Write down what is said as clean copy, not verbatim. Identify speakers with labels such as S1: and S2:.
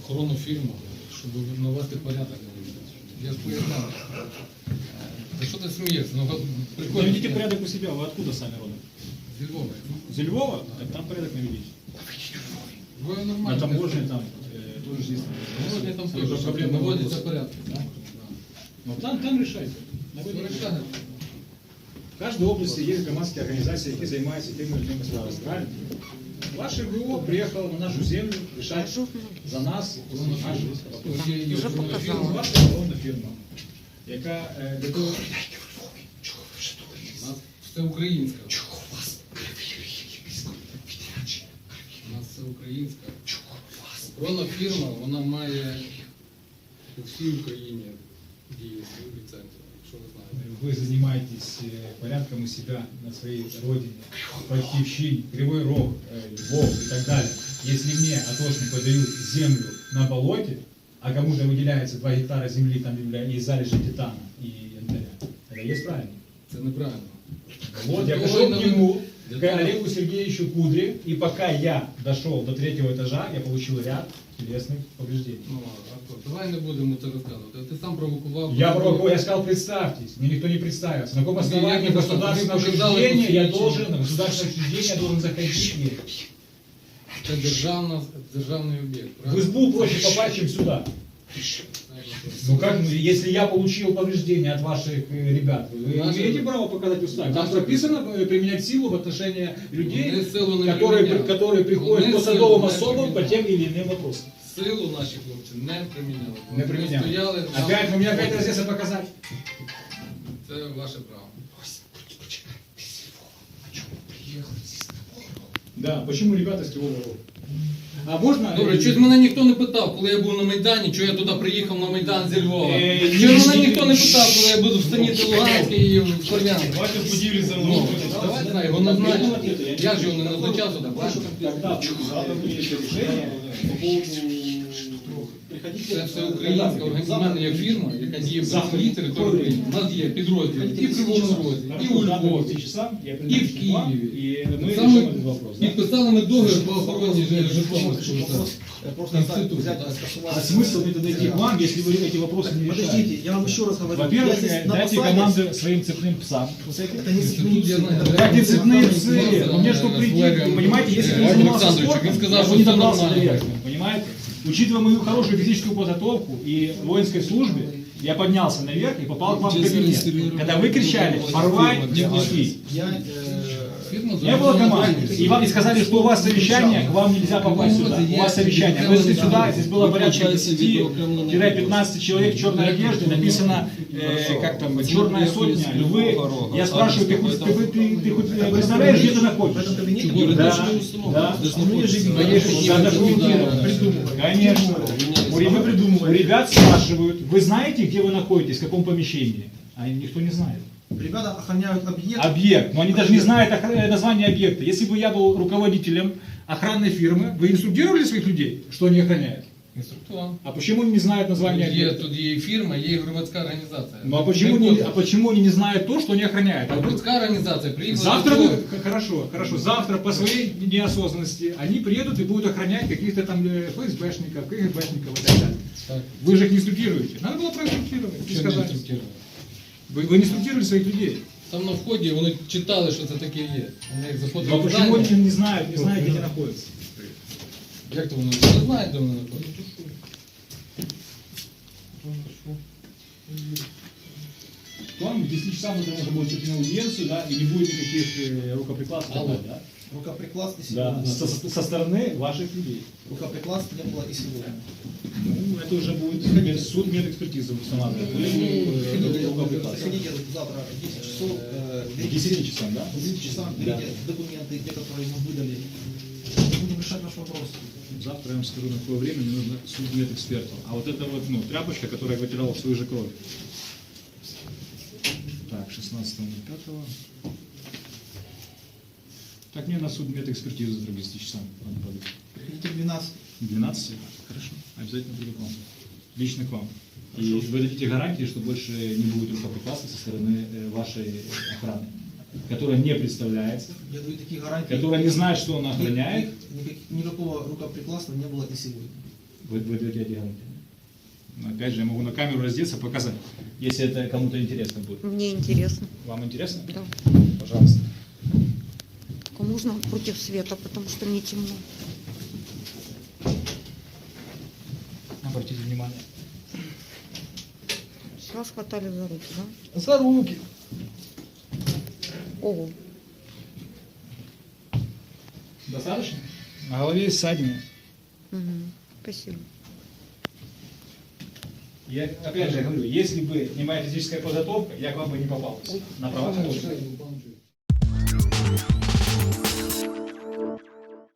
S1: охоронну фірму, щоб навести порядок. Я ж поясняв. Да что ты смеешься? Ну, прикольно.
S2: Наведите порядок у себя. Вы откуда сами родом?
S1: Из Львова.
S2: Из Львова? Так там порядок наведите.
S1: Вы нормально.
S2: На таможне там тоже есть.
S1: Таможня там тоже проблема. Наводится порядок. Да?
S2: Но там решайте. В каждой области есть громадские организации, которые занимаются тем или иным справами. Правильно? Ваше ГО приехало на нашу землю решать за нас наші вопроси. Ваша охоронна фірма, яка для того...
S1: Це українська. У нас це українська. Охоронна фірма, вона має у всій Україні діє свою ліцензію, якщо ви знаєте.
S2: Вы занимаетесь порядком у себя на своей родине, Батьківщині, Кривой Рог, Львов и так далее. Если мне атошники дают землю на болоте, а кому-то выделяется 2 гектара земли там и залежи титана и янтаря, это есть правильно?
S1: Це неправильно.
S2: Вот, я пошел к нему, к Олегу Сергеевичу Кудре, и пока я дошел до 3-го этажа, я получил ряд телесных повреждений.
S1: Ну, Артур, давай не будемо це розказувати. Ти сам провокував.
S2: Я провокую, я сказал, представьтесь. Мне никто не представился. На каком основании
S1: Я
S2: государственное
S1: показал
S2: учреждение я
S1: посвідчення.
S2: должен, на государственное учреждение я должен заходить? Нет.
S1: Це державний об'єкт.
S2: В
S1: правильно?
S2: избу проще попасть, чем сюда. Ну как, если я получил повреждения от ваших ребят, вы имеете право показать устав? Там прописано применять силу в отношении людей, которые приходят по садовым особам по тем или иным вопросам.
S1: Силу наші хлопці не приміняли.
S2: Не применял.
S1: Ми стояли,
S2: Опять, вы мне опять разъезда показать?
S1: це ваше право.
S2: Да, почему ребята с Кривого Рога? А можно...
S1: Добре, щось мене ніхто не питав, коли я був на Майдані, чого я туди приїхав на Майдан зі Львова.
S2: Ні,
S1: Чого мене ніхто не питав, коли я буду в Станиці Луганській і в Слов'янській.
S2: Давайте будили за мной.
S1: Давай, знаю, його назначили. Я ж його не назначав туди, правильно?
S2: Тогда завтра будет решение по поводу...
S1: Це все українська організована є фірма, яка діє в всій території України. У нас є підрозділи і в Кривому Розі, і у Львові, і в Києві. Саме підписали ми договір по охороні житлового института.
S2: А смысл мне тогда идти к вам, если вы эти вопросы не решаете?
S3: Подождите, я вам еще раз говорю.
S2: Во-первых,
S3: я здесь на
S2: дайте
S3: посаде.
S2: команду своим цепным псам.
S3: Это не
S1: Тут я знаю,
S2: Как не цепные псы? Но мне что прийти, понимаете, если я не занимался спортом,
S1: он сказал,
S2: я
S1: что
S2: бы не
S1: всё
S2: добрался до
S1: нормально.
S2: верхнего, понимаете? Учитывая мою хорошую физическую подготовку и в воинской службе, я поднялся наверх и попал к вам в кабинет. Когда вы кричали «порвать и пустить». Не было команды. И вам и сказали, что у вас совещание, к вам нельзя попасть сюда. У вас совещание. Вы зашли сюда, здесь было порядка 10-15 человек в черной одежде, написано, как там, черная сотня, львы. Я спрашиваю, ты хоть представляешь, где ты
S3: В
S2: находишься?
S3: этом кабинете
S2: Да, да. Да, документировано. Конечно. У ребят спрашивают, вы знаете, где вы находитесь, в каком помещении? А никто не знает.
S3: Ребята охраняют объект.
S2: Объект, но они даже не знают название объекта. Если бы я был руководителем охранной фирмы, вы инструктировали своих людей, что они охраняют?
S1: Інструктор.
S2: А почему они не знают название объекта?
S1: Тут є і фірма, є і громадська організація.
S2: Ну а почему они не знают то, что они охраняют? А
S1: Громадська організація приїхала.
S2: завтра
S1: до
S2: вы,
S1: цього.
S2: хорошо, завтра по своей неосознанности они приедут и будут охранять каких-то там ФСБшников, КГБшников и так далее.
S1: Так.
S2: Вы же их не инструктируете. Надо было проинструктировать. и
S1: Що не
S2: сказать.
S1: інструктировали?
S2: Вы не инструктировали своих людей.
S1: Там на вході вони читали, що це таке є. Вони як заходили
S2: Но
S1: в
S2: почему
S1: здання.
S2: они не знают, где они находятся?
S1: Як то вони не знають, де вони знаходяться?
S2: К вам в 10 часам утра можно будет прийти на аудиенцию, да, и не будет никаких рукоприкладств.
S1: Алло.
S2: Да?
S3: Рукоприкладств не
S2: Да,
S3: сегодня.
S2: со стороны ваших людей.
S3: Рукоприкладств не было и сегодня.
S2: Ну, это уже будет суд медэкспертизы устанавливать. Рукоприкладств.
S3: Приходите завтра в 10 часов.
S2: К 10 часам, да?
S3: В 10 часам
S2: Да.
S3: берите документы, те, которые мы выдали. Будем решать наш вопрос.
S2: Завтра я вам скажу, на какое время мне нужно суд медэкспертов. А вот это вот, ну, тряпочка, которая вытирала свою же кровь. Так, 16.05. Так, мне на суд медэкспертизу завтра к 10 часам надо подать.
S3: Приходите в 12.
S2: 12? Хорошо. Обязательно приду к вам. Лично к вам. И вы дадите гарантии, что больше не будет рукоприкладства со стороны вашей охраны, которая не представляется,
S3: Я даю такие гарантии.
S2: которая не знает, что она охраняет.
S3: Никакого рукоприкладства не было и сегодня.
S2: Вы одеты. Но опять же, я могу на камеру раздеться, показать, если это кому-то интересно будет.
S4: Мне интересно.
S2: Вам интересно?
S4: Да.
S2: Пожалуйста.
S4: Только можно против света, потому что мне темно.
S2: Обратите внимание.
S4: Вас хватали за руки, да?
S2: За руки.
S4: Ого.
S2: Достаточно? На голове есть ссадины.
S4: Угу. Спасибо.
S2: Я опять же говорю, если бы не моя физическая подготовка, я к вам бы не попал. На правах.